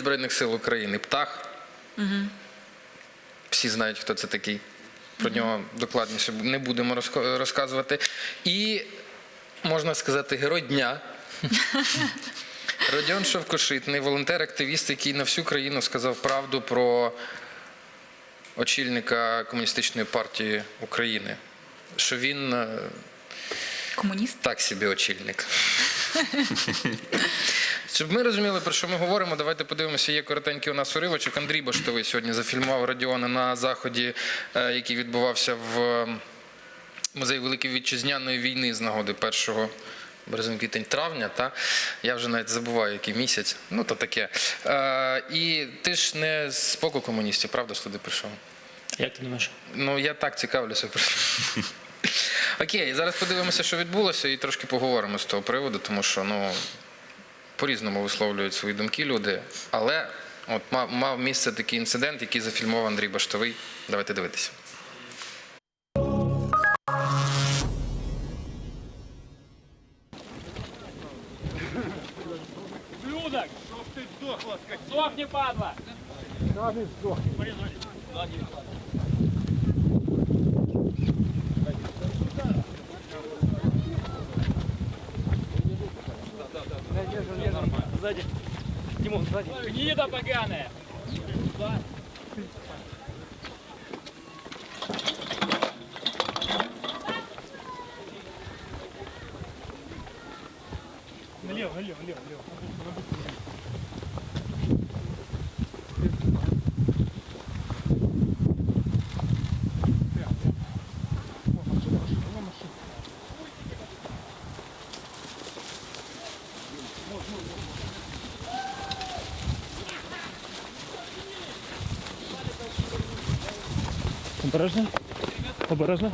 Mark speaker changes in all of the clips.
Speaker 1: Збройних сил України. Птах. Всі знають, хто це такий. Про нього докладніше не будемо розказувати. І, можна сказати, герой дня. Родіон Шовкошитний, волонтер-активіст, який на всю країну сказав правду про очільника Комуністичної партії України. Що він...
Speaker 2: Комуніст?
Speaker 1: Так собі очільник. Щоб ми розуміли, про що ми говоримо, давайте подивимося, є коротенький у нас уривочок. Андрій Баштовий сьогодні зафільмував Родіона на заході, який відбувався в музеї Великої Вітчизняної війни з нагоди 1 березня, квітень, травня. Та? Я вже навіть забуваю, який місяць. Ну, то таке. І ти ж не з боку комуністів, правда, ж туди прийшов?
Speaker 3: Як ти думаєш?
Speaker 1: Ну, я так цікавлюся. Окей, зараз подивимося, що відбулося, і трошки поговоримо з того приводу, тому що, ну, по-різному висловлюють свої думки люди. Але от мав місце такий інцидент, який зафільмував Андрій Баштовий. Давайте дивитися.
Speaker 4: Людок! Чтоб ты сдохла, скотина! Сдохни, падла! Да, ты сдохни.
Speaker 3: Сзади. Тимон, сзади.
Speaker 4: Гнида поганая!
Speaker 3: Налево, налево, налево, налево. Обережно. Обережно.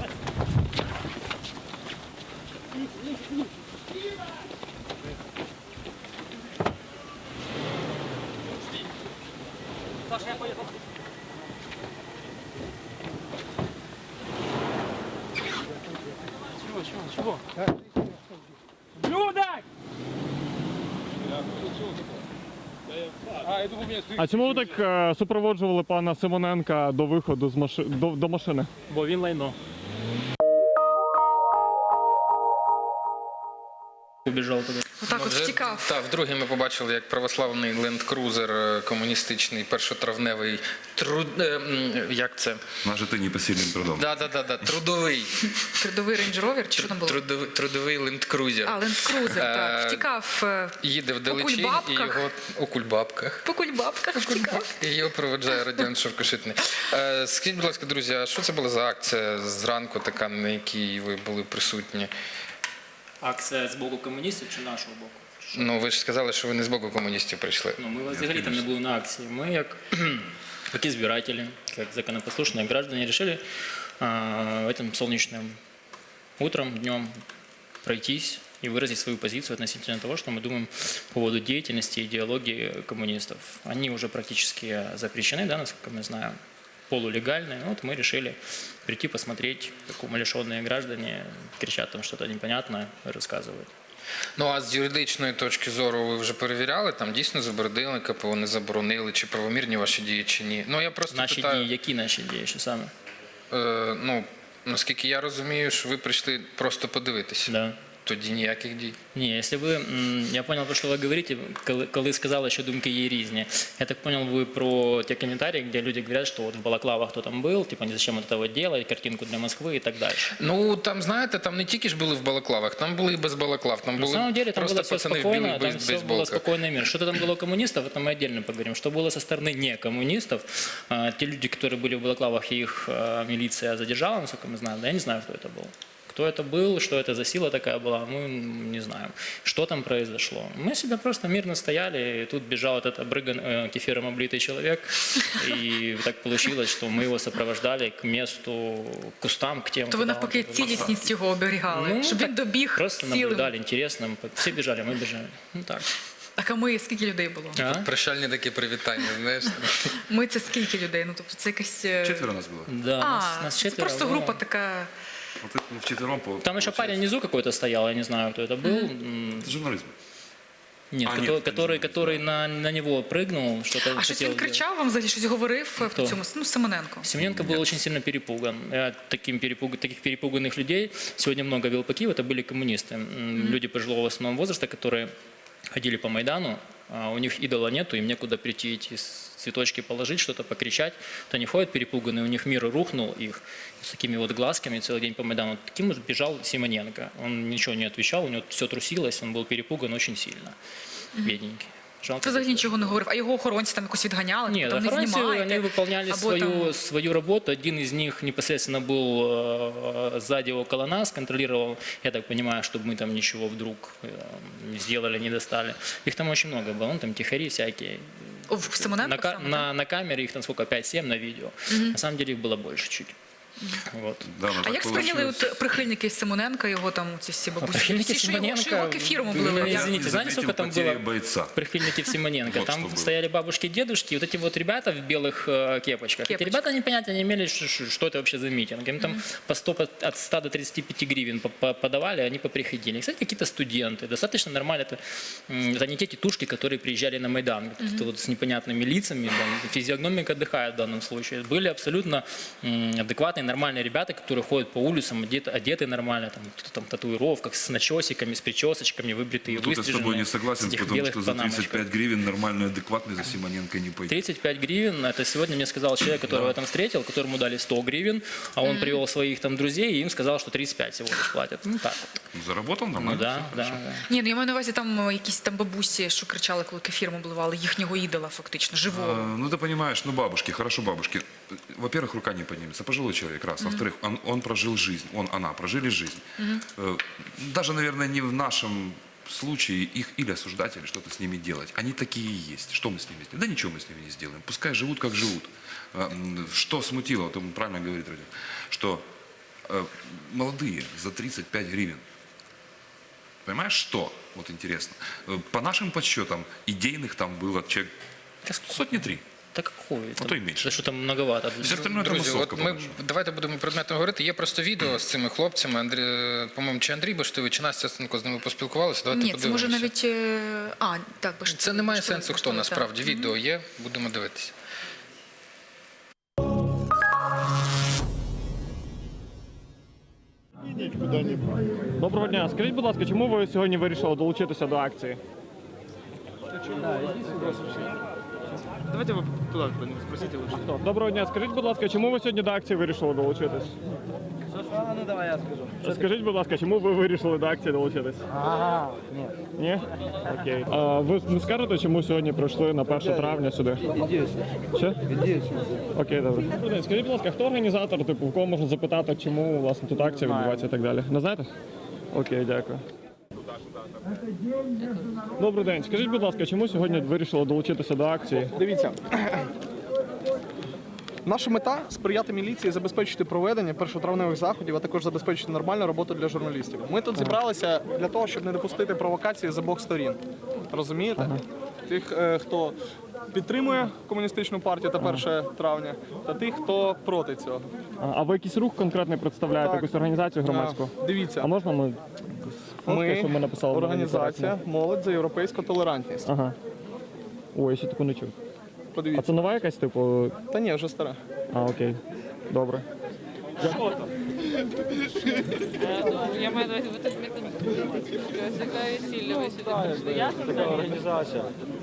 Speaker 4: Саша, я поехал.
Speaker 3: Чего?
Speaker 4: Людок!
Speaker 5: А чому ви так супроводжували пана Симоненка до виходу з до машини?
Speaker 3: Бо він лайно. Убежал туда.
Speaker 2: Отак от
Speaker 1: вже,
Speaker 2: втікав.
Speaker 1: Так, вдруге ми побачили, як православний ленд-крузер комуністичний, першотравневий, як це?
Speaker 6: На жити непосильним трудом.
Speaker 1: Да, трудовий.
Speaker 2: Трудовий рейндж-ровер, чи що там було?
Speaker 1: Трудовий ленд-крузер.
Speaker 2: А, ленд-крузер, так. Втікав
Speaker 1: Їде в Далечин і
Speaker 2: кульбабках.
Speaker 1: його у кульбабках.
Speaker 2: По кульбабках втікав.
Speaker 1: І його проведжає Родіон Шовкошитний. Скажіть, будь ласка, друзі, а що це була за акція зранку така, на якій ви були присутні?
Speaker 3: Акція з боку комуністів чи нашого боку?
Speaker 1: Ну, ви ж сказали, що ви не з боку комуністів прийшли.
Speaker 3: Ну, ми взагалі там не були на акції. Ми, як избиратели, как законопослушные граждане, решили этим солнечным утром, днем пройтись и выразить свою позицию относительно того, что мы думаем по поводу деятельности и идеологии коммунистов. Они уже практически запрещены, да, насколько мы знаем, полулегальные. Вот мы решили прийти посмотреть, как умалишенные граждане кричат там что-то непонятное, рассказывают.
Speaker 1: Ну, а з юридичної точки зору ви вже перевіряли, там дійсно заборонили, КПО не заборонили, чи правомірні ваші дії, чи ні? Ну, я просто
Speaker 3: Наші
Speaker 1: питаю,
Speaker 3: дії, які наші дії, що саме?
Speaker 1: Ну, наскільки я розумію, що ви прийшли просто подивитися.
Speaker 3: Да.
Speaker 1: Тоді ніяких дій.
Speaker 3: Не, если вы, я понял, про что вы говорите, коли сказали, що думки є різні. Я так понял, вы про те комментарии, где люди говорят, что вот в балаклавах кто там был, типа, зачем вот этого делать, картинку для Москвы и так дальше.
Speaker 1: Ну, там, знаєте, там не тільки ж були в балаклавах, там були і без балаклав, там
Speaker 3: На
Speaker 1: були
Speaker 3: самом деле там
Speaker 1: просто
Speaker 3: было все
Speaker 1: пацани в
Speaker 3: спокойно,
Speaker 1: білих
Speaker 3: там все было
Speaker 1: бейсболках.
Speaker 3: спокойный мир. Что-то там было у коммунистов, это мы отдельно поговорим. Что было со стороны не коммунистов, те люди, которые были в балаклавах, их милиция задержала, насколько мы знаем, да, я не знаю, кто это был. Кто это был, что это за сила такая была, мы не знаем. Что там произошло? Мы себя просто мирно стояли, и тут бежал этот обрыган, кефиром облитый человек, и так получилось, что мы его сопровождали к месту, к кустам, к тем.
Speaker 2: То ви навпаки цілісність його оберігали,
Speaker 3: Ну,
Speaker 2: щоб він добіг
Speaker 3: просто
Speaker 2: цілим.
Speaker 3: наблюдали, интересно. Все бежали, мы бежали. Ну так.
Speaker 2: Так, а ми скільки людей було?
Speaker 3: А?
Speaker 1: Прощальні такі привітання, знаєш.
Speaker 2: Ми це скільки людей? Ну, тобто це якась...
Speaker 6: Четверо нас было.
Speaker 3: Да, нас
Speaker 2: це
Speaker 3: четверо.
Speaker 2: просто
Speaker 3: было.
Speaker 2: група така...
Speaker 6: Вот это мы 4
Speaker 3: Там еще парень внизу какой-то стоял, я не знаю, кто это был.
Speaker 6: Это журнализм.
Speaker 3: Нет,
Speaker 6: А, нет,
Speaker 3: который на него прыгнул, что-то
Speaker 2: А щось
Speaker 3: хотел
Speaker 2: він
Speaker 3: сделать.
Speaker 2: кричав вам взагалі, щось говорив
Speaker 3: Хто?
Speaker 2: в цьому, ну, Семененко?
Speaker 3: Семененко был очень сильно перепуган. Таких перепуганных людей сегодня много вел по Киеву, это были коммунисты. Люди пожилого в основном возраста, которые ходили по Майдану, а у них идола нету, им некуда прийти эти цветочки положить, что-то покричать. Вот они ходят перепуганные, у них мир рухнул, их с такими вот глазками целый день по Майдану. Таким вот бежал Симоненко. Он ничего не отвечал, у него все трусилось, он был перепуган очень сильно. Бедненький. Жалко.
Speaker 2: Ти взагалі нічого не говорив, а його охоронці там якось відганяли,
Speaker 3: Нет,
Speaker 2: там не
Speaker 3: охранцы,
Speaker 2: знімаєте.
Speaker 3: они выполняли
Speaker 2: або там-
Speaker 3: свою работу. Один из них непосредственно был сзади около нас, контролировал, я так понимаю, чтобы мы там ничего вдруг не сделали, не достали. Их там очень много было, ну, там тихари всякие.
Speaker 2: В Семененко саме, так?
Speaker 3: На камере их там сколько, 5-7 на видео. На самом деле их было больше чуть. Вот.
Speaker 6: Да, ну,
Speaker 2: А
Speaker 6: так
Speaker 2: як сприйняли
Speaker 6: получилось.
Speaker 2: от прихильники Семененка, його там ці всі бабусі?
Speaker 3: прихильники
Speaker 2: Всі, що його
Speaker 3: Семененка,
Speaker 2: кефіром
Speaker 3: ну,
Speaker 2: облили.
Speaker 3: извините,
Speaker 6: Я не
Speaker 3: знаете, сколько там
Speaker 6: заметил потери
Speaker 3: было
Speaker 6: бойца.
Speaker 3: прихильников Симоненко?
Speaker 6: Вот
Speaker 3: Там
Speaker 6: что было.
Speaker 3: стояли бабушки, дедушки, вот эти вот ребята в белых кепочках. Эти ребята не понятия не имели, что это вообще за митинг. Им там по 100, от 100 до 35 гривен подавали, они поприходили. Кстати, какие-то студенты, достаточно нормально. Это не те тетушки, которые приезжали на Майдан, какие-то вот с непонятными лицами, там, физиогномика отдыхает в данном случае. Были абсолютно адекватные, нормальные ребята, которые ходят по улицам, одеты нормально, там, кто-то там в татуировках, с начесиками, с причесочками, выбритые,
Speaker 6: Тут я с тобой
Speaker 3: выстриженные,
Speaker 6: не согласен,
Speaker 3: в этих
Speaker 6: потому
Speaker 3: белых
Speaker 6: что за
Speaker 3: панамочках.
Speaker 6: 35 гривен нормальный, адекватный за Симоненко не пойдет.
Speaker 3: 35 гривен, это сегодня мне сказал человек, которого я там встретил, которому дали 100 гривен, а он привел своих там друзей и им сказал, что 35 всего лишь платят. Ну так вот.
Speaker 6: Ну, заработал
Speaker 3: Ну
Speaker 6: нормально.
Speaker 3: да,
Speaker 6: всё
Speaker 3: да,
Speaker 6: хорошо.
Speaker 3: да.
Speaker 2: Ні, ну я маю на увазі там якісь там бабусі, що кричали, коли кефіром обливали, їхнього ідола фактично, живого.
Speaker 6: Ну, ты понимаешь, ну, бабушки, хорошо, бабушки. Во-первых, рука не поднимется. Пожилой человек, раз. Во-вторых, он прожил жизнь, она прожили жизнь. Даже, наверное, не в нашем случае их или осуждать, или что-то с ними делать. Они такие и есть. Что мы с ними сделаем? Да ничего мы с ними не сделаем. Пускай живут, как живут. Что смутило, вот он правильно говорит, Родион, что молодые за 35 гривен. Понимаешь, что? Вот интересно. По нашим подсчетам, идейных там было человек сотни 3.
Speaker 3: Да какой?
Speaker 6: А то и меньше.
Speaker 3: Да что там многовато.
Speaker 6: Все остальное это
Speaker 1: Друзі,
Speaker 6: массовка.
Speaker 1: от ми
Speaker 6: по-нашему.
Speaker 1: давайте будемо предметно говорити. Є просто відео з цими хлопцями. По-моєму, чи Андрій Баштовий, чи Настя Стенко з ними поспілкувалися. Давайте
Speaker 2: Ні, це
Speaker 1: подивимося.
Speaker 2: може навіть... так, бо ж
Speaker 1: Це не має
Speaker 2: Баштовий,
Speaker 1: сенсу, хто
Speaker 2: Баштовий, так.
Speaker 1: насправді. Відео є, будемо дивитися.
Speaker 5: Доброго дня. Скажіть, будь ласка, чому ви сьогодні вирішили долучитися до акції?
Speaker 7: Давайте вы туда спросите лучше.
Speaker 5: Доброго дня. Скажіть, будь ласка, чому ви сьогодні до акції вирішили долучитись?
Speaker 7: Ну давай я скажу.
Speaker 5: Скажіть, будь ласка, чому ви вирішили до акції долучитись?
Speaker 7: Ага, нет.
Speaker 5: Ні? Окей. А ви не скажете, чому сьогодні прийшли на 1 травня сюди? Що? Окей, добре. Добрий день. Скажіть, будь ласка, хто організатор, типу, в кого можна запитати, чому власне тут акція відбувається і так далі? Не знаєте? Окей, дякую. Добрий день. Скажіть, будь ласка, чому сьогодні вирішили долучитися до акції?
Speaker 7: Дивіться. Наша мета – сприяти міліції, забезпечити проведення першотравневих заходів, а також забезпечити нормальну роботу для журналістів. Ми тут зібралися для того, щоб не допустити провокації з обох сторін. Розумієте? Тих, хто підтримує комуністичну партію та 1 травня, та тих, хто проти цього.
Speaker 5: А ви якийсь рух конкретний представляєте,
Speaker 7: Так.
Speaker 5: якусь організацію громадську?
Speaker 7: Дивіться,
Speaker 5: А можна ми фотки, щоб ми написали? на
Speaker 7: організація «Молодь за європейську толерантність».
Speaker 5: Ага. Ой, я ще таку не чув. А
Speaker 7: Подивіться.
Speaker 5: це нова якась, типу?
Speaker 7: Та ні, вже стара.
Speaker 5: А, окей. Добре.
Speaker 8: Я маю на увазі, ви тут яка весілля ви сюди прийшли? Ясно? Така організація.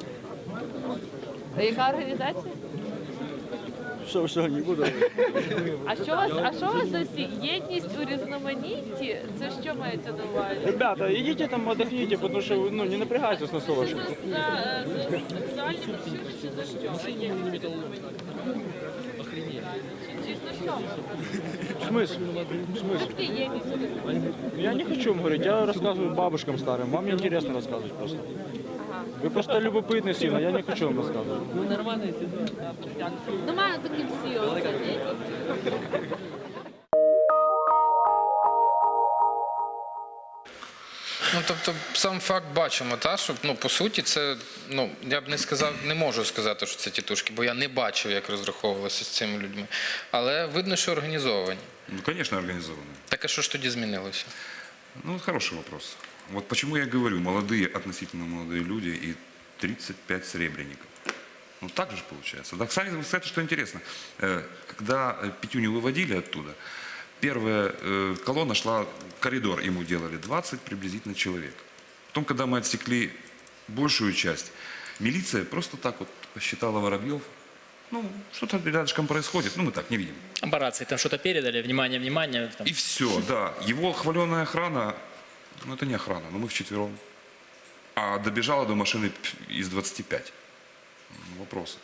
Speaker 8: А яка організація?
Speaker 7: Що, не буду.
Speaker 8: А що у вас за всі? Єдність у різноманітті? Це що мається на увазі?
Speaker 7: Ребята, идите там отдохните, потому что не напрягайтесь на
Speaker 8: Це
Speaker 7: солнышко.
Speaker 8: за сексуальні мотиви чи за що? А є Дійсно що?
Speaker 7: В смысле?
Speaker 8: Такі єдність у різноманітті.
Speaker 7: Я не хочу вам говорить, я рассказываю бабушкам старым. Вам интересно рассказывать просто. Вы просто любопытны сильно, я не хочу вам рассказывать.
Speaker 8: Ну, маю такі всі оце, ні?
Speaker 1: Ну, тобто, сам факт бачимо, та, що, ну, по суті, це, ну, я б не сказав, не можу сказати, що це тітушки, бо я не бачив, як розраховувалося з цими людьми. Але видно, що організовані.
Speaker 6: Ну, конечно, организованный.
Speaker 1: Так, а що ж тоді змінилося?
Speaker 6: Ну, вот хороший вопрос. Вот почему я говорю, молодые, относительно молодые люди и 35 серебряников. Ну так же получается. Да, кстати, что интересно, когда Петюню выводили оттуда, первая колонна шла, коридор ему делали 20 приблизительно человек. Потом, когда мы отсекли большую часть, милиция просто так вот посчитала воробьев. Ну, что-то рядышком происходит, ну мы так не видим.
Speaker 3: По рации там что-то передали, внимание, внимание. Там.
Speaker 6: И все, да. Его хваленая охрана, ну это не охрана, но мы вчетвером. А добежала до машины из 25. Вопросы.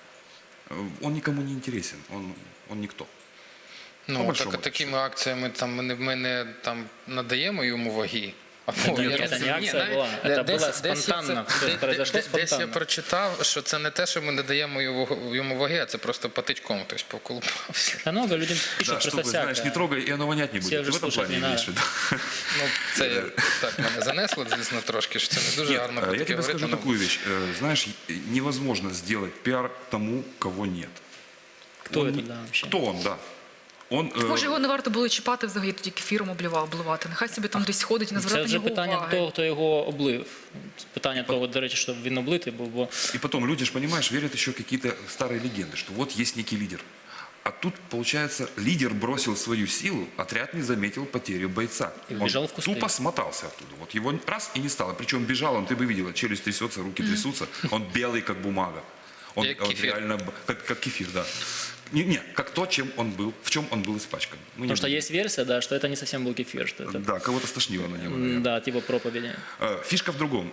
Speaker 6: Он никому не интересен, он никто. По
Speaker 1: Ну,
Speaker 6: большому
Speaker 1: так, такими акціями там, ми не там, надаємо йому ваги.
Speaker 3: Это не акция была, это было спонтанно, все произошло
Speaker 1: Десь я
Speaker 3: спонтанно.
Speaker 1: прочитав, що це не те, що ми не даємо йому ваги, а це просто патичком хтось поколупався.
Speaker 3: Да много людям пишут
Speaker 6: Да,
Speaker 3: просто
Speaker 6: чтобы, знаешь,
Speaker 3: всякое.
Speaker 6: не трогай, и оно вонять не
Speaker 3: Все
Speaker 6: будет.
Speaker 3: уже
Speaker 6: В этом
Speaker 3: слушать
Speaker 6: плане
Speaker 3: не
Speaker 6: имеешь в виду.
Speaker 1: Ну, це так мене занесло, звісно, трошки, що це не дуже
Speaker 6: Нет,
Speaker 1: гарно про
Speaker 6: я
Speaker 1: таке
Speaker 6: тебе
Speaker 1: говорити.
Speaker 6: скажу
Speaker 1: ну,
Speaker 6: такую вещь. Знаешь, невозможно сделать пиар тому, кого нет.
Speaker 3: Кто это, да, вообще?
Speaker 6: Кто он, да. Он,
Speaker 2: Може, його не варто було чіпати взагалі, тоді кефіром обливати. Нехай собі там десь ходить, не
Speaker 3: Це
Speaker 2: звертати на
Speaker 3: вже
Speaker 2: нього
Speaker 3: питання
Speaker 2: уваги.
Speaker 3: того, хто його облив. Питання того, до речі, щоб він облитий був, бо
Speaker 6: И потом люди же, понимаешь, верят еще какие-то старые легенды, что вот есть некий лидер. А тут, получается, лидер бросил свою силу, отряд не заметил потерю бойца.
Speaker 3: И
Speaker 6: Он
Speaker 3: убежал в кусты.
Speaker 6: тупо смотался оттуда. Вот его раз и не стало. Причем бежал он, ты бы видела, челюсть трясется, руки трясутся. Он белый, как бумага. Он
Speaker 1: Как
Speaker 6: вот
Speaker 1: кефир.
Speaker 6: реально, как кефир, да. Не, как то, чем он был, в чем он был испачкан. Мы не
Speaker 3: потому что
Speaker 6: будем.
Speaker 3: есть версия, да, что это не совсем был кефир, что это,
Speaker 6: Да, кого-то стошнило на него, наверное.
Speaker 3: да, типа проповеди.
Speaker 6: Фишка в другом.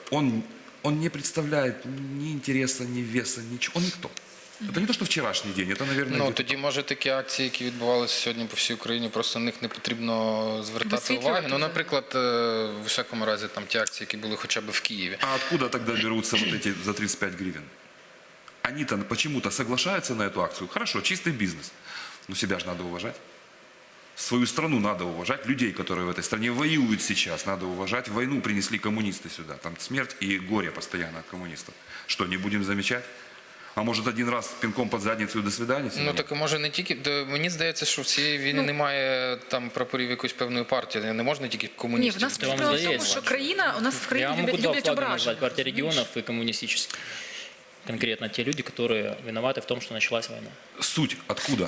Speaker 6: Он не представляет ни интереса, ни веса, ничего. Он никто. Это не то, что вчерашний день, это, наверное,
Speaker 1: Ну,
Speaker 6: где-то-
Speaker 1: тоді, може, такі акції, які відбувалися сьогодні по всій Україні, просто на них не потрібно звертати
Speaker 2: Висвітлювати,
Speaker 1: уваги. Ну,
Speaker 2: да.
Speaker 1: наприклад, в усякому разі, там ті акції, які були хоча б в Києві.
Speaker 6: А откуда тогда берутся вот эти за 35 гривен? Они-то почему-то соглашаются на эту акцию. Хорошо, чистый бизнес. Но себя же надо уважать. Свою страну надо уважать. Людей, которые в этой стране воюют сейчас, надо уважать. Войну принесли коммунисты сюда. Там смерть и горе постоянно от коммунистов. Что, не будем замечать? А может, один раз пинком под задницу и до свидания?
Speaker 1: Ну, так може не тільки, мені здається, що в цієї війни немає там прапорів якоїсь певної партії, не можна тільки
Speaker 2: Ні,
Speaker 1: комуністів.
Speaker 2: в нас
Speaker 3: Це вам
Speaker 2: справа в тому,
Speaker 3: здається.
Speaker 2: що країна, у нас в
Speaker 3: Я
Speaker 2: країні
Speaker 3: могу два
Speaker 2: люблять
Speaker 3: флага
Speaker 2: ображення.
Speaker 3: назвать, партия регионов и коммунистических. Конкретно те люди, которые виноваты в том, что началась война.
Speaker 6: Суть откуда?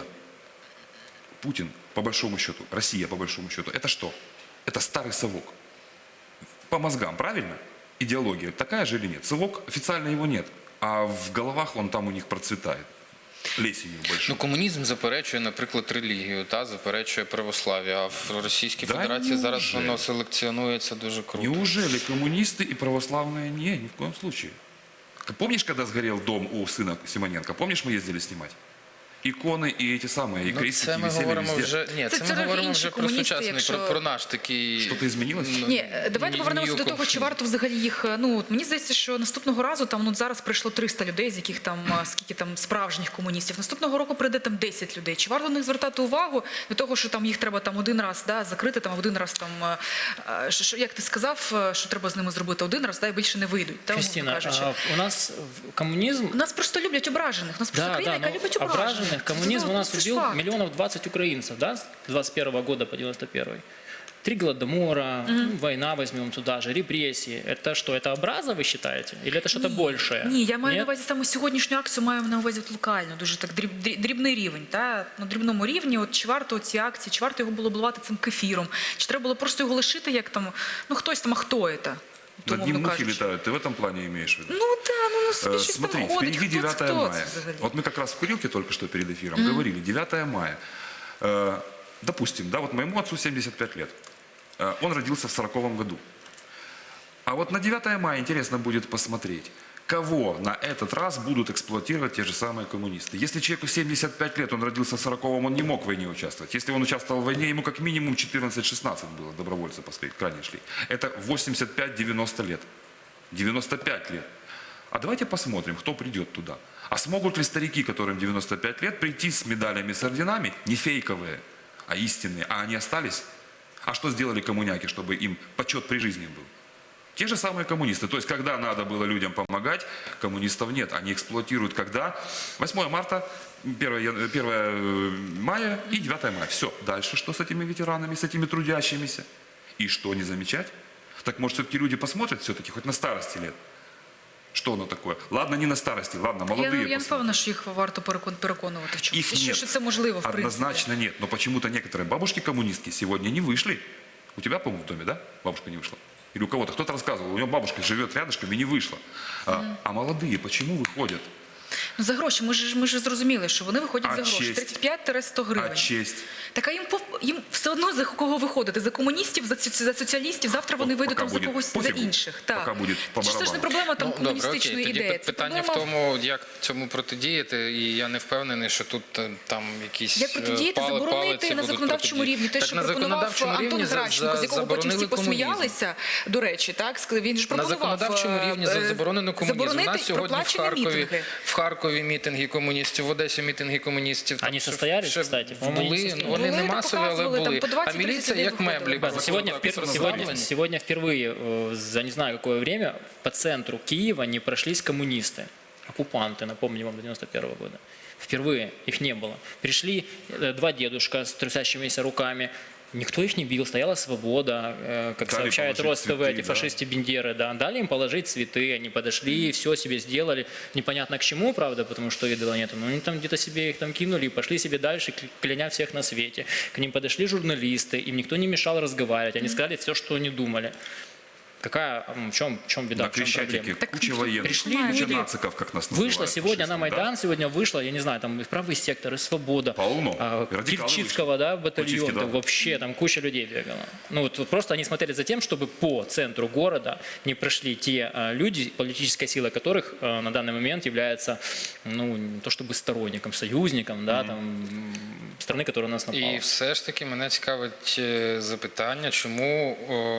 Speaker 6: Путин, по большому счету, Россия, по большому счету, это что? Это старый совок. По мозгам, правильно? Идеология такая же или нет? Совок, официально его нет. А в головах он там у них процветает. Плесенью большой.
Speaker 1: Ну, комунізм заперечує, наприклад, релігію, та заперечує православ'я, а в Російській
Speaker 6: Да
Speaker 1: Федерації зараз
Speaker 6: неужели?
Speaker 1: воно селекціонується дуже круто.
Speaker 6: Неужели коммунисты и православные? Не, ни в коем случае. Помнишь, когда сгорел дом у сына Симоненко? Помнишь, мы ездили снимать? Иконы и эти самые, и
Speaker 1: Ну,
Speaker 6: крестики
Speaker 1: це ми
Speaker 6: висели
Speaker 1: говоримо
Speaker 6: везде.
Speaker 1: вже, ні,
Speaker 2: Це
Speaker 1: це ми
Speaker 2: трохи
Speaker 1: говоримо
Speaker 2: інші
Speaker 1: вже про
Speaker 2: комуністи,
Speaker 1: сучасний,
Speaker 2: якщо-
Speaker 1: про наш такий...
Speaker 6: Что-то изменилось?
Speaker 2: Ні, давайте повернемося до того,
Speaker 1: нью-конфлікт.
Speaker 2: чи варто взагалі їх. Ну от мені здається, що наступного разу там зараз прийшло 300 людей, з яких там скільки там справжніх комуністів. Наступного року прийде там 10 людей. Чи варто на них звертати увагу до того, що там їх треба там один раз закрити, там один раз там як ти сказав, що треба з ними зробити один раз, і більше не вийдуть. Та, умовно
Speaker 3: Кристина,
Speaker 2: кажучи.
Speaker 3: у нас коммунизм...
Speaker 2: Нас просто люблять ображених. Нас просто
Speaker 3: Да,
Speaker 2: країна,
Speaker 3: да,
Speaker 2: яка
Speaker 3: но
Speaker 2: любить ображених.
Speaker 3: ображенных коммунизм
Speaker 2: Ну,
Speaker 3: у нас
Speaker 2: це ж
Speaker 3: убил
Speaker 2: факт.
Speaker 3: миллионов 20 украинцев, да, с 21 года по 91. 3 голодомора, война возьмем туда же, репрессии. Это что, это образа, вы считаете? Или это что-то большее?
Speaker 2: Ні, я маю на
Speaker 3: Нет?
Speaker 2: увазі саме сьогоднішню акцію, маю на увазі от локально, дуже так дрібний рівень. Та? На дрібному рівні, от чи варто ці акції, чи варто його було обливати цим кефіром, чи треба було просто його лишити, як там, ну хтось там, а хто це?
Speaker 6: Над ним
Speaker 2: умовно
Speaker 6: мухи
Speaker 2: кажучи.
Speaker 6: летают, ты в этом плане имеешь в виду?
Speaker 2: Ну так, ну собі щось
Speaker 6: Смотри,
Speaker 2: там ходить,
Speaker 6: впереди 9
Speaker 2: хто
Speaker 6: мая.
Speaker 2: це взагалі?
Speaker 6: Вот мы как раз в курилке только что перед эфиром говорили, 9 мая. Допустим, да, вот моему отцу 75 лет. Он родился в 40-м году. А вот на 9 мая интересно будет посмотреть, кого на этот раз будут эксплуатировать те же самые коммунисты. Если человеку 75 лет, он родился в 40-м, он не мог в войне участвовать. Если он участвовал в войне, ему как минимум 14-16 было, добровольцы крайне шли. Это 85-90 лет. 95 лет. А давайте посмотрим, кто придет туда. А смогут ли старики, которым 95 лет, прийти с медалями, с орденами, не фейковые, а истинные, а они остались? А что сделали коммуняки, чтобы им почет при жизни был? Те же самые коммунисты. То есть, когда надо было людям помогать, коммунистов нет. Они эксплуатируют когда? 8 марта, 1 мая и 9 мая. Все. Дальше что с этими ветеранами, с этими трудящимися? И что не замечать? Так может все-таки люди посмотрят все-таки хоть на старости лет? Что оно такое? Ладно, не на старости, ладно, молодые
Speaker 2: Я не
Speaker 6: посмотрят.
Speaker 2: впевнена, що їх варто переконувати в чому.
Speaker 6: Их
Speaker 2: І
Speaker 6: нет.
Speaker 2: що це можливо, в принципі.
Speaker 6: Однозначно нет. Но почему-то некоторые бабушки-коммунистки сегодня не вышли. У тебя, по-моему, в доме, да? Бабушка не вышла. Или у кого-то. Кто-то рассказывал, у него бабушка живет рядышком и не вышла. А молодые почему выходят?
Speaker 2: Ну, за гроші, ми ж зрозуміли, що вони виходять
Speaker 6: А
Speaker 2: за гроші.
Speaker 6: честь?
Speaker 2: 35-100 гривень.
Speaker 6: А честь?
Speaker 2: Так, а їм все одно за кого виходити? За комуністів, за соціалістів? Завтра вони
Speaker 6: От
Speaker 2: вийдуть
Speaker 6: поки
Speaker 2: там за
Speaker 6: буде
Speaker 2: когось, за
Speaker 6: пофігу,
Speaker 2: інших. Так.
Speaker 6: поки буде по
Speaker 2: Це ж не
Speaker 6: барабану.
Speaker 2: проблема там
Speaker 1: Добре, окей.
Speaker 2: комуністичної
Speaker 1: Тоді
Speaker 2: ідеї. Це
Speaker 1: питання в
Speaker 2: проблема
Speaker 1: тому, як цьому протидіяти, і я не впевнений, що тут там якісь
Speaker 2: як протидіяти, заборонити
Speaker 1: палиці
Speaker 2: на
Speaker 1: будуть
Speaker 2: законодавчому
Speaker 1: протидіяти.
Speaker 2: рівні. Те,
Speaker 1: Так
Speaker 2: що
Speaker 1: на
Speaker 2: пропонував
Speaker 1: законодавчому
Speaker 2: Антон
Speaker 1: рівні
Speaker 2: Гращенко, з якого потім всі
Speaker 1: заборонили комунізм.
Speaker 2: посміялися, до речі, так? Він ж
Speaker 1: На
Speaker 2: пропонував
Speaker 1: законодавчому рівні заборонено комунізм. У
Speaker 2: заборонити
Speaker 1: нас сьогодні
Speaker 2: проплачені мітинги.
Speaker 1: в Харкові мітинги комуністів, в Одесі мітинги комуністів.
Speaker 3: Они
Speaker 1: Там
Speaker 3: состоялись,
Speaker 1: ще
Speaker 3: кстати? По-моему, они
Speaker 1: були,
Speaker 3: состоялись.
Speaker 1: вони не
Speaker 2: Були,
Speaker 1: масові, але
Speaker 2: показували, там
Speaker 1: були.
Speaker 2: по 20-30
Speaker 1: А міліція як
Speaker 2: людей
Speaker 1: меблі.
Speaker 2: виходили.
Speaker 3: Сегодня впервые за не знаю какое время по центру Киева не прошлись коммунисты, оккупанты, напомню вам, 91 года. Впервые их не было. Пришли два дедушка с трясящимися руками. Никто их не бил, стояла свобода, как
Speaker 6: Дали
Speaker 3: сообщает
Speaker 6: положить
Speaker 3: РосТВ,
Speaker 6: цветы,
Speaker 3: эти
Speaker 6: да.
Speaker 3: фашисты-бендеры, да. Дали им положить цветы, они подошли, все себе сделали. Непонятно к чему, правда, потому что идола нету. Но они там где-то себе их там кинули и пошли себе дальше, кляня всех на свете. К ним подошли журналисты, им никто не мешал разговаривать. Они сказали все, что они думали. В чем беда,
Speaker 6: На
Speaker 3: в чем
Speaker 6: Крещатике
Speaker 3: проблема?
Speaker 6: куча военных,
Speaker 3: пришли
Speaker 6: куча
Speaker 3: люди,
Speaker 6: нациков, как нас называют.
Speaker 3: Вышла сегодня на
Speaker 6: фашистами, да?
Speaker 3: Майдан, сегодня вышла, я не знаю, там и правый сектор, и свобода.
Speaker 6: Полно. Радикалы
Speaker 3: Кильчицкого, да, батальон,
Speaker 6: Кильчицкий, да.
Speaker 3: там вообще там куча людей бегала. Ну вот просто они смотрели за тем, чтобы по центру города не прошли те люди, политическая сила которых на данный момент является, ну, не то чтобы сторонником, союзником, да, там, страны, которая на нас напала.
Speaker 1: І все ж таки мене цікавить запитання, чому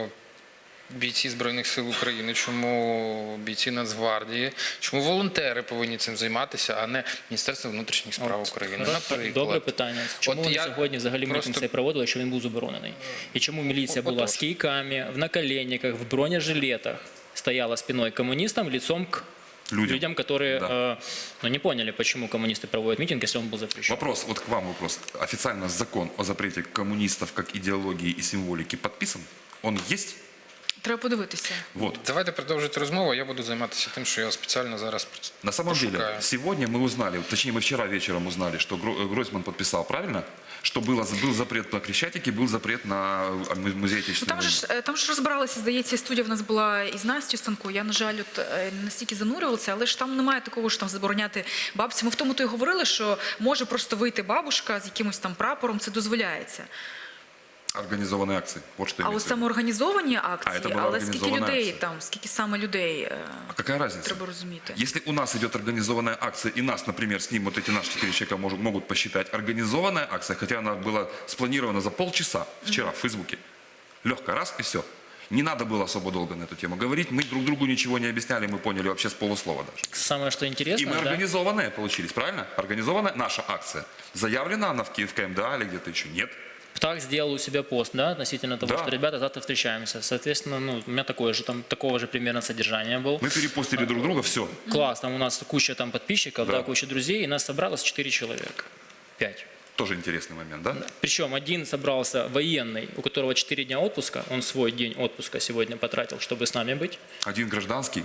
Speaker 1: бійці Збройних сил України, чому бійці Нацгвардії, чому волонтери повинні цим займатися, а не Міністерство внутрішніх справ України, наприклад.
Speaker 3: Добре питання. Чому
Speaker 1: От
Speaker 3: вони
Speaker 1: я
Speaker 3: сьогодні взагалі
Speaker 1: просто-
Speaker 3: мітинг цей проводили, якщо він був заборонений? І чому міліція була
Speaker 1: Отож.
Speaker 3: з кійками, в наколенниках, в бронежилетах, стояла спиной к коммунистам, лицом к людям, которые
Speaker 6: Да.
Speaker 3: ну, не поняли, почему коммунисты проводят митинг, если он был запрещен.
Speaker 6: Вопрос, вот к вам вопрос. Официально закон о запрете коммунистов как идеологии и символики подписан? Он есть?
Speaker 2: Треба подивитися.
Speaker 6: Вот.
Speaker 1: Давайте продовжити розмову, а я буду займатися тим, що я спеціально зараз
Speaker 6: На самом деле,
Speaker 1: пошукаю.
Speaker 6: сегодня мы узнали, точнее мы вчера вечером узнали, что Гройсман подписал, правильно? Что был запрет на Крещатике, был запрет на музей
Speaker 2: Ну,
Speaker 6: Отечественной войны.
Speaker 2: там ж розбиралися, здається, студія в нас була із Настю Станко. Я, на жаль, не настільки занурювалася, але ж там немає такого, що там забороняти бабці. Ми в тому то й говорили, що може просто вийти бабушка з якимось там прапором, це дозволяється.
Speaker 6: Организованные акции. Вот что
Speaker 2: А
Speaker 6: имеется
Speaker 2: от
Speaker 6: в виду.
Speaker 2: самоорганізовані
Speaker 6: А,
Speaker 2: акції,
Speaker 6: це була
Speaker 2: але скільки
Speaker 6: організована
Speaker 2: людей
Speaker 6: акція.
Speaker 2: там, скільки саме людей,
Speaker 6: А какая разница?
Speaker 2: треба розуміти.
Speaker 6: Если у нас идет организованная акция, и нас, например, с ним вот эти наши 4 человека могут посчитать организованная акция, хотя она была спланирована за полчаса вчера в Фейсбуке. Легко, раз и все. Не надо было особо долго на эту тему говорить. Мы друг другу ничего не объясняли, мы поняли вообще с полуслова даже.
Speaker 3: Самое, что
Speaker 6: И
Speaker 3: интересно,
Speaker 6: мы
Speaker 3: да,
Speaker 6: организованные получились, правильно? Организованная наша акция. Заявлена она в КМДА или где-то еще? Нет.
Speaker 3: ПТАХ сделал у себя пост, да, относительно того,
Speaker 6: Да.
Speaker 3: что ребята завтра встречаемся. Соответственно, ну, у меня такого же примерно содержания был.
Speaker 6: Мы перепостили друг друга, все.
Speaker 3: Класс, там у нас куча там подписчиков,
Speaker 6: Да.
Speaker 3: да, куча друзей, и нас собралось 4 человека. 5.
Speaker 6: Тоже интересный момент, да?
Speaker 3: Причем один собрался военный, у которого 4 дня отпуска, он свой день отпуска сегодня потратил, чтобы с нами быть.
Speaker 6: Один гражданский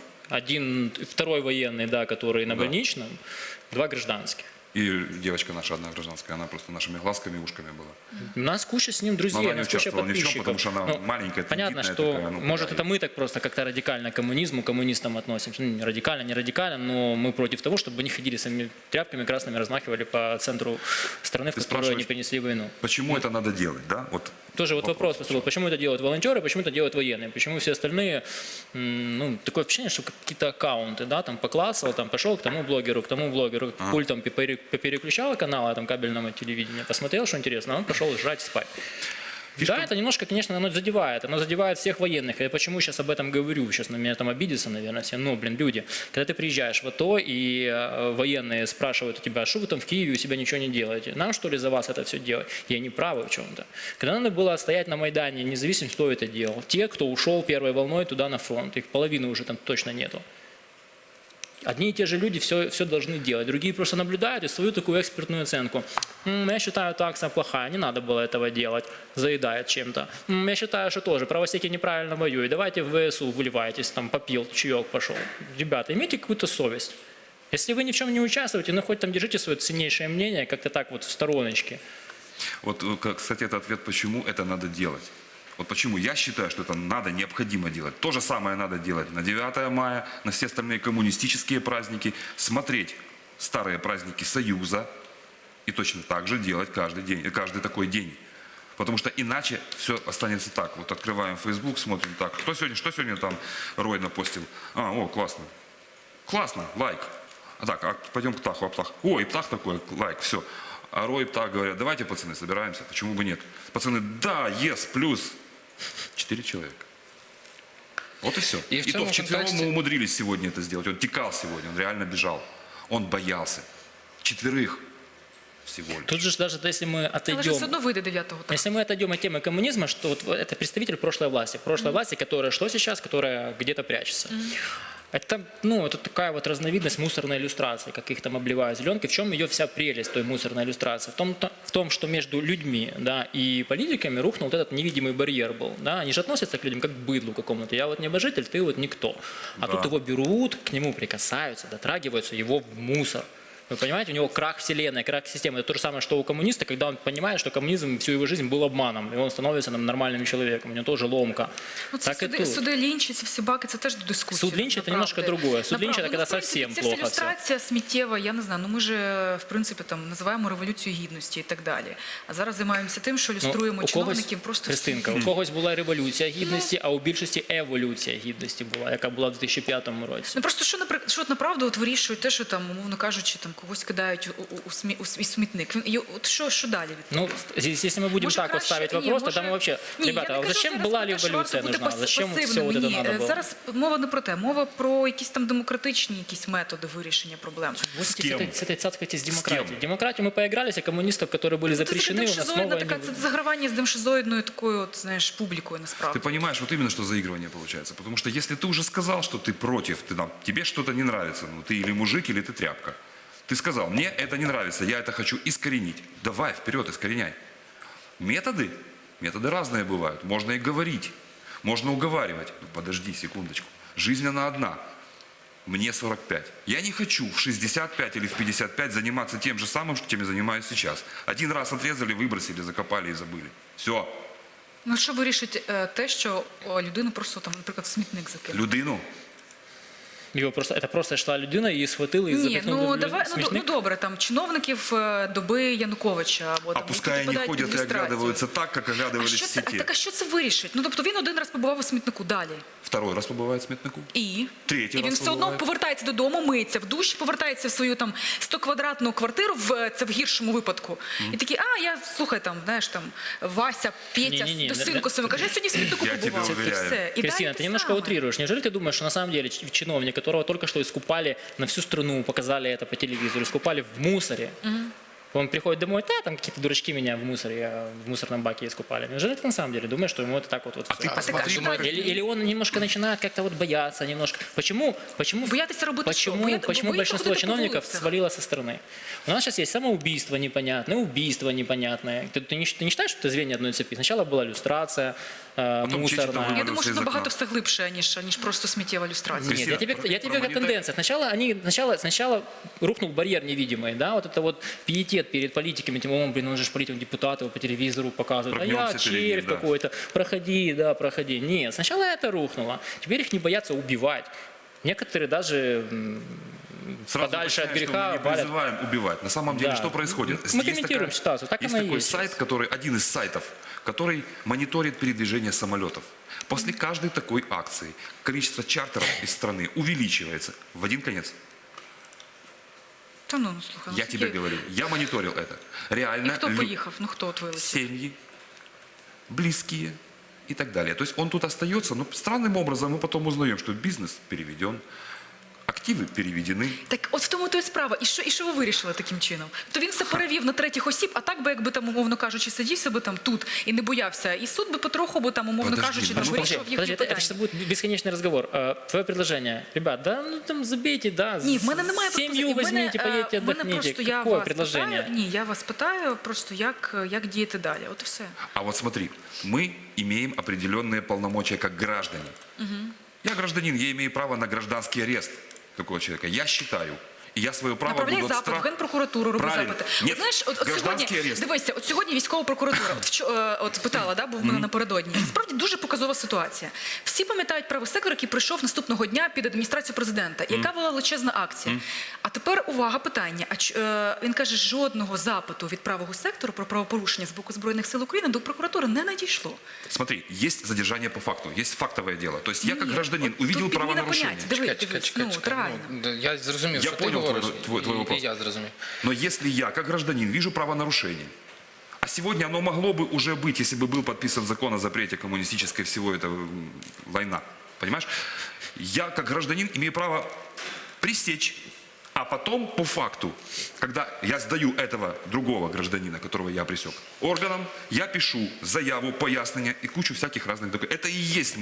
Speaker 3: Второй военный, да, который на
Speaker 6: Да.
Speaker 3: больничном, 2 гражданских.
Speaker 6: и девочка наша одна гражданская, она просто нашими глазками и ушками была.
Speaker 3: У нас куча с ним друзей,
Speaker 6: Но она
Speaker 3: у
Speaker 6: не
Speaker 3: нас куча
Speaker 6: участвовала ни в чем,
Speaker 3: подписчиков.
Speaker 6: потому что она
Speaker 3: Ну,
Speaker 6: маленькая,
Speaker 3: понятно,
Speaker 6: тендитная
Speaker 3: что,
Speaker 6: такая, ну,
Speaker 3: может,
Speaker 6: да,
Speaker 3: это мы так просто как-то радикально к коммунизму, коммунистам относимся. Ну, не радикально, не радикально, но мы против того, чтобы они ходили своими тряпками красными, размахивали по центру страны, в
Speaker 6: Ты
Speaker 3: которую они
Speaker 6: спрашиваешь,
Speaker 3: принесли войну.
Speaker 6: Почему это надо делать, да? Вот
Speaker 3: Тоже вот вопрос поступил, почему это делают волонтеры, почему это делают военные, почему все остальные, ну, такое ощущение, что какие-то аккаунты, да, там поклассал, там пошел к тому блогеру, пультом переключал каналы, там кабельного телевидения, посмотрел, что интересно, а он пошел жрать, спать. Да, это немножко, конечно, оно задевает всех военных. Я почему сейчас об этом говорю? Сейчас на меня там обидятся, наверное, все. Но, блин, люди, когда ты приезжаешь в АТО, и военные спрашивают у тебя, что вы там в Киеве у себя ничего не делаете? Нам, что ли, за вас это все делать? И они правы в чем-то. Когда надо было стоять на Майдане, независимо, кто это делал, те, кто ушел первой волной туда на фронт, их половины уже там точно нету. Одни и те же люди все должны делать, другие просто наблюдают и свою такую экспертную оценку. Я считаю, так акция плохая, не надо было этого делать, заедает чем-то. Я считаю, что тоже правосеки неправильно воюют, давайте в ВСУ вливайтесь, там попил, чаек пошел. Ребята, имейте какую-то совесть. Если вы ни в чем не участвуете, ну хоть там держите свое ценнейшее мнение, как-то так вот в стороночке.
Speaker 6: Вот, кстати, это ответ, почему это надо делать. Вот почему я считаю, что это надо, необходимо делать. То же самое надо делать на 9 мая, на все остальные коммунистические праздники, смотреть старые праздники Союза и точно так же делать каждый такой день. Потому что иначе все останется так. Вот открываем Facebook, смотрим так. Что сегодня там Рой напостил? Классно. Классно, лайк. Так, пойдем к Птаху, Птах. Ой, Птах такой, лайк, все. А Рой и Птах говорят, давайте, пацаны, собираемся, почему бы нет? Пацаны, да, плюс. 4 человека. Вот и все.
Speaker 1: И в
Speaker 6: И то
Speaker 1: цьому
Speaker 6: вчетвером
Speaker 1: контексті-
Speaker 6: мы умудрились сегодня это сделать. Он текал сегодня, он реально бежал. Он боялся. 4 всего лишь.
Speaker 3: Тут же даже если мы
Speaker 2: Але ж все
Speaker 3: отойдем...
Speaker 2: одно вийде 9-го.
Speaker 3: Если мы отойдем от темы коммунизма, что вот это представитель прошлой власти, которая что сейчас, которая где-то прячется. Это, это такая вот разновидность мусорной иллюстрации, как их там обливают зеленкой. В чем ее вся прелесть той мусорной иллюстрации? В том, что между людьми, да, и политиками рухнул вот этот невидимый барьер был. Да? Они же относятся к людям как к быдлу какому-то. Я вот небожитель, ты вот никто. А тут его берут, к нему прикасаются, дотрагиваются, его в мусор. Вы понимаете, у него крах вселенной, крах системы. Это то же самое, что у коммуниста, когда он понимает, что коммунизм всю его жизнь был обманом, и он становится нормальным человеком, у него тоже ломка. Так и тут.
Speaker 2: Суди Лінчі, ці всі баки, це теж до дискусії.
Speaker 3: Суд Лінча – це немножко другое. Суд Лінча – це коли совсем
Speaker 2: Це
Speaker 3: плохо все.
Speaker 2: ілюстрація сміттєва, я не знаю, ми же, в принципі, там, називаємо революцію гідності і так далі. А зараз займаємося тим, що ілюструємо чиновників просто...
Speaker 3: Христинка, у когось була революція гідності, а у більшості еволюція гідності була, яка була в 2005 році.
Speaker 2: Просто що направду от вирішує те, що там, умовно кажучи, там когось кидають у смітник. От що далі?
Speaker 3: Если мы будем
Speaker 2: Може,
Speaker 3: так вот
Speaker 2: краще-
Speaker 3: ставить
Speaker 2: ні,
Speaker 3: вопрос,
Speaker 2: може-
Speaker 3: тогда мы вообще...
Speaker 2: Ні, я
Speaker 3: Ребята,
Speaker 2: не
Speaker 3: а
Speaker 2: кажу
Speaker 3: зачем
Speaker 2: зараз
Speaker 3: была
Speaker 2: про те, що
Speaker 3: революция
Speaker 2: варто бути
Speaker 3: нужна? Зачем все
Speaker 2: пасивними.
Speaker 3: вот это
Speaker 2: Ні,
Speaker 3: надо было?
Speaker 2: зараз мова не про те, мова про якісь там демократичні якісь методи вирішення проблем.
Speaker 3: Вот
Speaker 6: С
Speaker 3: с
Speaker 6: кем?
Speaker 3: этой цацкой с
Speaker 6: С
Speaker 3: демократией.
Speaker 6: кем?
Speaker 3: Демократию мы поигрались, а коммунистов, которые были запрещены, у нас снова...
Speaker 2: Це загравання з демшизоїдною такою, от, знаєш, публікою насправді.
Speaker 6: Ты понимаешь, вот именно что заигрывание получается. Потому что если ты уже сказал, что ты против, тебе что-то не нравится, ты или мужик, или ты тряпка. Ты сказал, мне это не нравится, я это хочу искоренить. Давай, вперед, искореняй. Методы разные бывают. Можно и говорить, можно уговаривать. Подожди секундочку. Жизнь она одна. Мне 45. Я не хочу в 65 или в 55 заниматься тем же самым, чем я занимаюсь сейчас. Один раз отрезали, выбросили, закопали и забыли. Все.
Speaker 2: Ну, що вирішить те, що людину просто там, наприклад, в смітник закинули?
Speaker 6: Людину.
Speaker 3: Это просто йшла людина, її схватили і
Speaker 2: Ні,
Speaker 3: запихнули в
Speaker 2: ну
Speaker 3: смітник.
Speaker 2: добре, там чиновників доби Януковича або
Speaker 6: А
Speaker 2: там,
Speaker 6: пускай
Speaker 2: які
Speaker 6: они
Speaker 2: подають
Speaker 6: ходят
Speaker 2: під
Speaker 6: и
Speaker 2: люстрацію.
Speaker 6: оглядываются так, как оглядывались в сети.
Speaker 2: Так а що це вирішить? Ну тобто він один раз побував у смітнику, далі.
Speaker 6: Второй раз побывает в сметнику.
Speaker 2: І
Speaker 6: Третій
Speaker 2: він
Speaker 6: раз
Speaker 2: все одно
Speaker 6: побуває.
Speaker 2: повертається додому, миється в душі, повертається в свою там 100-квадратну квартиру, це в гіршому випадку. І такий, слухай, там, знаєш, там, Вася, Петя,
Speaker 3: Ні-ні-ні,
Speaker 2: до синку своєму, каже, я сьогодні в смітнику
Speaker 6: Я тебе
Speaker 2: побував. І
Speaker 6: уверяю.
Speaker 2: все. І
Speaker 3: Кристина,
Speaker 2: далі
Speaker 3: ты
Speaker 2: те
Speaker 3: немножко
Speaker 2: саме.
Speaker 3: утрируешь. Неужели ты думаешь, что на самом деле чиновник, которого только что искупали на всю страну, показали это по телевизору, искупали в мусоре, он приходит домой, там какие-то дурачки меня в мусоре, в мусорном баке искупали. Неужели ты на самом деле думаешь, что ему это так вот
Speaker 6: А
Speaker 3: всё?
Speaker 6: ты посмотри,
Speaker 2: так, а что
Speaker 3: Или он немножко начинает как-то вот бояться немножко. Почему
Speaker 2: Боятися робити що? Боїться
Speaker 3: большинство
Speaker 2: ходити по
Speaker 3: чиновников
Speaker 2: вулицях.
Speaker 3: свалило со стороны? У нас сейчас есть самоубийство непонятное, убийство непонятное. Ты не считаешь, что это звенья одной цепи? Сначала была люстрация
Speaker 6: Потом чьи-то
Speaker 3: мусорная.
Speaker 2: Я
Speaker 6: вывалился
Speaker 2: думаю, що
Speaker 6: из
Speaker 2: набагато
Speaker 6: окна.
Speaker 2: все глибше, ніж просто сміттєва люстрація.
Speaker 3: Нет,
Speaker 6: Кристина,
Speaker 3: я тебе говорю о
Speaker 6: про
Speaker 3: тенденциях. Сначала рухнул барьер невидимый, да, вот это вот пиетет перед политиками, тем он же ж политик, депутат, его по телевизору показывают, а я
Speaker 6: Прогнёмся перед ним,
Speaker 3: червь
Speaker 6: да.
Speaker 3: какой-то, проходи. Нет, сначала это рухнуло, теперь их не боятся убивать. Некоторые даже
Speaker 6: Сразу
Speaker 3: подальше от
Speaker 6: уточняю, что
Speaker 3: греха
Speaker 6: мы не
Speaker 3: валят.
Speaker 6: призываем убивать. На самом деле,
Speaker 3: Да.
Speaker 6: что происходит?
Speaker 3: Мы
Speaker 6: Есть
Speaker 3: комментируем
Speaker 6: такая-
Speaker 3: ситуацию, так
Speaker 6: есть
Speaker 3: оно и
Speaker 6: такой
Speaker 3: есть
Speaker 6: сайт, один из сайтов, который мониторит передвижение самолетов. После каждой такой акции количество чартеров из страны увеличивается в один конец.
Speaker 2: Та ну, слухай,
Speaker 6: Я тебе говорю, я мониторил это.
Speaker 2: І
Speaker 6: Реально
Speaker 2: хто поїхав? Ну хто от вилетів?
Speaker 6: семьи, близкие и так далее. То есть он тут остается, но странным образом мы потом узнаем, что бизнес переведен, Активы переведены.
Speaker 2: Так от в тому то й справа. І що ви вирішили таким чином? То він все перевів на третіх осіб, а так би, якби там, умовно кажучи, сидів себе там тут і не боявся. І суд би потроху би там, умовно
Speaker 6: Подожди,
Speaker 2: кажучи,
Speaker 6: ну,
Speaker 2: там вирішував їхні
Speaker 3: Подожди, это
Speaker 2: питання.
Speaker 3: сейчас будет бесконечный разговор. Твое предложение, ребят, да, ну там забейте, да,
Speaker 2: Ні, в мене немає
Speaker 3: семью возьмите, поедете,
Speaker 2: в мене
Speaker 3: отдохните.
Speaker 2: просто я
Speaker 3: Какое
Speaker 2: вас
Speaker 3: предложение?
Speaker 2: питаю, ні, я вас питаю просто, як діяти далі. От і все.
Speaker 6: А вот смотри, мы имеем определенные полномочия как граждане. Я гражданин, я имею право на гражданский арест такого человека. Я считаю. И я свое право
Speaker 2: Направляй
Speaker 6: буду
Speaker 2: запит в Генпрокуратуру, роби
Speaker 6: Правильно.
Speaker 2: запити.
Speaker 6: Нет,
Speaker 2: От, знаєш, от сьогодні,
Speaker 6: гражданський арест.
Speaker 2: дивися, от сьогодні військова прокуратура от питала, да, був в мене напередодні. Справді дуже показова ситуація. Всі пам'ятають правий сектор, який прийшов наступного дня під адміністрацію президента, яка була величезна акція. А тепер увага, питання. Він каже, жодного запиту від правого сектору про правопорушення з боку Збройних сил України до прокуратури не надійшло.
Speaker 6: Смотри, есть задержание по факту, есть фактовое дело. То есть я как
Speaker 2: Ні,
Speaker 6: гражданин
Speaker 2: от
Speaker 6: увидел
Speaker 2: тут підміна
Speaker 6: правонарушение.
Speaker 2: понять.
Speaker 1: Чекай.
Speaker 2: реально.
Speaker 1: Ну, я зрозумів,
Speaker 6: Я
Speaker 1: що ти
Speaker 6: понял
Speaker 1: говориш.
Speaker 6: твой вопрос.
Speaker 1: І я зрозумів.
Speaker 6: Но если я, как гражданин, вижу правонарушение, а сегодня оно могло бы уже быть, если бы был подписан закон о запрете коммунистической всего этого война, понимаешь? Я, как гражданин, имею право пресечь, а потом, по факту, когда я сдаю этого другого гражданина, которого я пресек, органам, я пишу заяву, пояснение и кучу всяких разных документов. Это и есть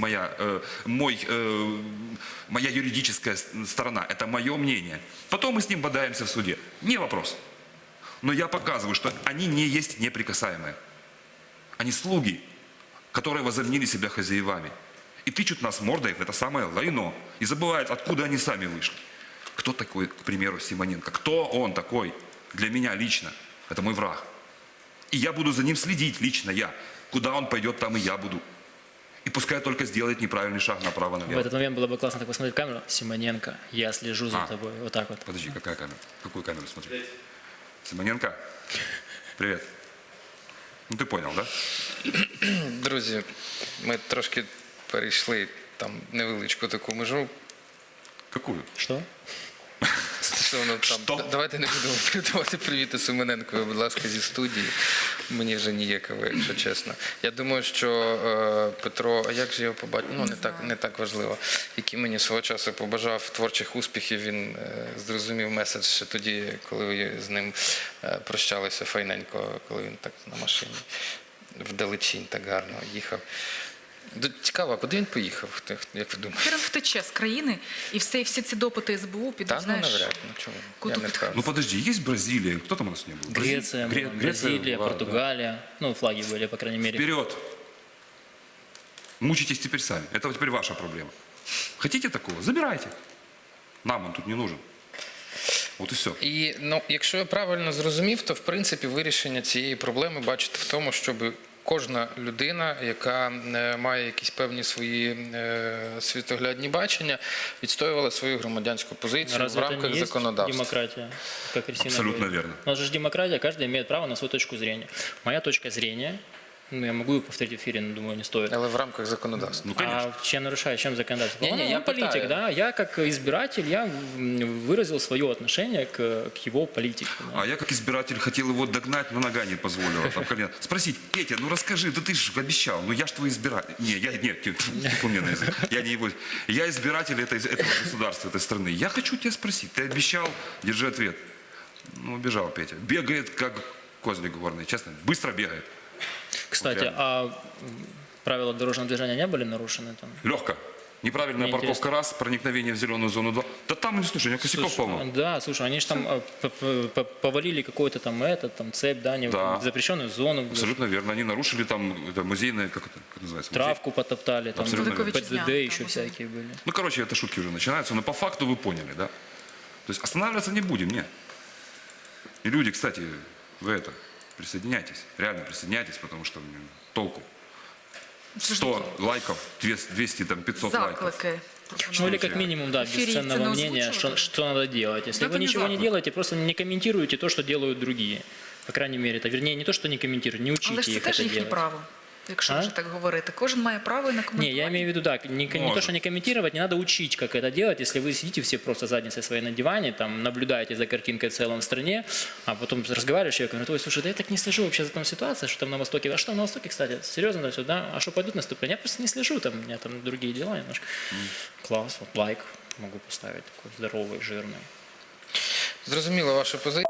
Speaker 6: моя юридическая сторона, это мое мнение. Потом мы с ним бодаемся в суде. Не вопрос. Но я показываю, что они не есть неприкасаемые. Они слуги, которые возомнили себя хозяевами. И тычут нас мордой в это самое лайно. И забывают, откуда они сами вышли. Кто такой, к примеру, Симоненко? Кто он такой? Для меня лично. Это мой враг. И я буду за ним следить, лично я. Куда он пойдет, там и я буду. И пускай только сделает неправильный шаг
Speaker 3: В
Speaker 6: направо-налево.
Speaker 3: этот момент было бы классно так посмотреть в камеру. Симоненко, я слежу за тобой. Вот так вот.
Speaker 6: Подожди, какая камера? Какую камеру смотреть? Симоненко? Привет. Ну ты понял, да?
Speaker 1: Друзі, ми трошки перейшли там невеличку таку межу.
Speaker 6: Какую?
Speaker 3: Что?
Speaker 1: Стосовно там,
Speaker 6: Що?
Speaker 1: давайте не будемо передавати привіти Семененкові, будь ласка, зі студії. Мені вже ніяково, якщо чесно. Я думаю, що Петро, а як же його побачити? Ну, не так важливо. Який мені свого часу побажав творчих успіхів, він зрозумів меседж ще тоді, коли ви з ним прощалися файненько, коли він так на машині вдалечінь так гарно їхав. Цікаво, а куди він поїхав, як ви думаєте?
Speaker 2: Він втече з країни, і всі ці допити СБУ підуть,
Speaker 1: Та, ну,
Speaker 2: знаєш,
Speaker 1: навряд, ну чому?
Speaker 2: куди
Speaker 1: Я не
Speaker 2: під-
Speaker 1: впевнений.
Speaker 6: Ну подожди, есть Бразилия? Кто там у нас не был?
Speaker 3: Греция, Бразилия,
Speaker 6: ладно,
Speaker 3: Португалия. Ну, флаги были, по крайней мере.
Speaker 6: Вперед! Мучитесь теперь сами. Это теперь ваша проблема. Хотите такого? Забирайте. Нам он тут не нужен. Вот и все.
Speaker 1: І ну, якщо я правильно зрозумів, то в принципі вирішення цієї проблеми бачите в тому, щоб кожна людина, яка має якісь певні свої світоглядні бачення, відстоювала свою громадянську позицію
Speaker 3: Разве
Speaker 1: в
Speaker 3: это
Speaker 1: рамках
Speaker 3: не есть
Speaker 1: законодавства.
Speaker 3: демократия, как Кристина
Speaker 6: Абсолютно
Speaker 3: говорит?
Speaker 6: верно.
Speaker 3: У нас же демократия, каждый имеет право на свою точку зрения. Моя точка зрения, ну, я могу ее повторить в эфире, но думаю, не стоит.
Speaker 1: Але в рамках законодавства.
Speaker 6: Ну, конечно.
Speaker 3: А чем нарушаю, чем законодательство?
Speaker 1: Не-не,
Speaker 3: Он
Speaker 1: я
Speaker 3: политик,
Speaker 1: пытаюсь.
Speaker 3: да. Я как избиратель, я выразил свое отношение к его политике. Да.
Speaker 6: А я как избиратель хотел его догнать, но нога не позволила. Там колено. Спросить, Петя, ну расскажи, да ты же обещал, ну я ж твой избиратель. Типа мне на язык. Я не его. Я избиратель этого государства, этой страны. Я хочу тебя спросить, ты обещал, держи ответ. Ну, убежал Петя. Бегает, как козлик горный, честно, быстро бегает.
Speaker 3: Кстати,
Speaker 6: реально.
Speaker 3: а правила дорожного движения не были нарушены там?
Speaker 6: Легко. Неправильная
Speaker 3: Мне
Speaker 6: парковка раз, проникновение в зеленую зону 2. Да там, ну, слушай, у него косяков полно.
Speaker 3: Да, слушай, они же там повалили какой-то там цепь, да,
Speaker 6: Да.
Speaker 3: в запрещенную зону,
Speaker 6: Абсолютно верно. Они нарушили там это музейное, как называется?
Speaker 3: травку потоптали, там
Speaker 6: Абсолютно верно.
Speaker 2: Вековечня,
Speaker 3: ПДД еще
Speaker 2: там,
Speaker 3: всякие были.
Speaker 6: Ну, короче, это шутки уже начинаются, но по факту вы поняли, да? То есть останавливаться не будем, нет. И люди, кстати, вы присоединяйтесь, реально присоединяйтесь, потому что толку. 100 лайков, 200, там, 500 лайков.
Speaker 2: заклики.
Speaker 3: Ну или как минимум, да,
Speaker 2: Эфире
Speaker 3: бесценного
Speaker 2: цены
Speaker 3: мнения,
Speaker 2: озвучивали?
Speaker 3: что надо делать. Если
Speaker 2: Да
Speaker 3: вы
Speaker 2: это не
Speaker 3: ничего не
Speaker 6: заклик.
Speaker 3: делаете, просто не комментируете то, что делают другие. По крайней мере, это вернее не то, что не комментируют, не
Speaker 2: Але
Speaker 3: учите
Speaker 2: ж це
Speaker 3: их
Speaker 2: теж
Speaker 3: это
Speaker 2: їхнє
Speaker 3: делать.
Speaker 2: право, якщо
Speaker 3: А?
Speaker 2: вже так говорити. Кожен має право і на
Speaker 3: Не,
Speaker 2: коментування.
Speaker 3: я имею в виду так, не то,
Speaker 6: Может.
Speaker 3: что не комментировать, не надо учить, как это делать, если вы сидите все просто задницей своей на диване, там, наблюдаете за картинкой в целом в стране, а потом разговариваешь, и я говорю, ой, слушай, да я так не слежу вообще за там ситуацией, что там на Востоке, а что там на Востоке, кстати, серьезно там все, да, а что пойдут наступления, я просто не слежу, там, у меня там другие дела немножко. Класс, вот, лайк, могу поставить такой здоровый, жирный.
Speaker 1: Зрозуміла ваша позиція.